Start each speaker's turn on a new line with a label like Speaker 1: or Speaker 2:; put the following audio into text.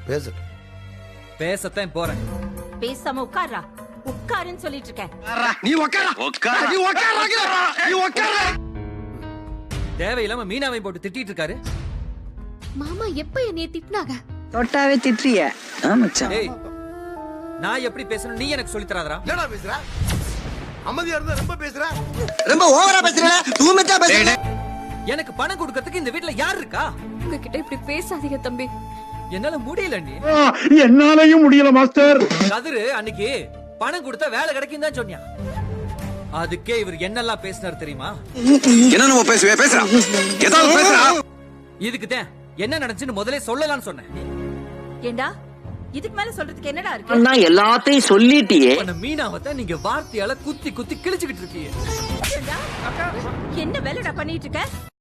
Speaker 1: பேசட்டும்.
Speaker 2: பேசத்தான் போறேன்.
Speaker 3: பேசாம உட்கார்றா. உட்காருன்னு சொல்லிட்டு இருக்கேன்.
Speaker 1: நீ உட்கார. நீ உட்கார. நீ உட்கார.
Speaker 2: தேவையில்லாம மீனாவை போட்டு திட்டிட்டு இருக்காரு.
Speaker 4: மாமா எப்ப என்னைய திட்டினாங்க?
Speaker 5: தொட்டாவே திட்டுறிய.
Speaker 2: ஏய், நான் எப்படி பேசணும் நீ எனக்கு சொல்லி தராதடா.
Speaker 1: என்னடா பேசுற? அமைதியா இருந்தா ரொம்ப பேசுற. ரொம்ப ஓவரா பேசுற. தூமச்சா பேசுற.
Speaker 2: எனக்கு பணம் கொடுக்கிறதுக்கு இந்த வீட்ல யார் இருக்கா?
Speaker 4: உங்ககிட்ட இப்படி பேசாதீங்க தம்பி.
Speaker 2: என்னால முடியல நீ.
Speaker 6: என்னாலயும் முடியல மாஸ்டர்.
Speaker 2: கதிரு அன்னைக்கு பணம் கொடுத்தா வேலை கிடைக்கும் தான் சொன்னியா. அதுக்கே இவர் என்னெல்லாம் பேசினார் தெரியுமா?
Speaker 1: என்ன நம்ம பேசுவே பேசுறா. ஏதாவது பேசுறா.
Speaker 2: இதுக்கு தான் என்ன நடந்துச்சுன்னு முதல்ல சொல்லலாம்னு சொன்னேன்.
Speaker 3: ஏண்டா இதுக்கு மேல சொல்றதுக்கு என்னடா இருக்கு?
Speaker 5: நான் எல்லாத்தையும் சொல்லிட்டியே.
Speaker 2: அந்த மீனாவை தான் நீங்க வார்த்தையால குத்தி குத்தி கிழிச்சுக்கிட்டு இருக்கீங்க.
Speaker 3: ஏண்டா? என்ன வேலைடா பண்ணிட்டு இருக்க?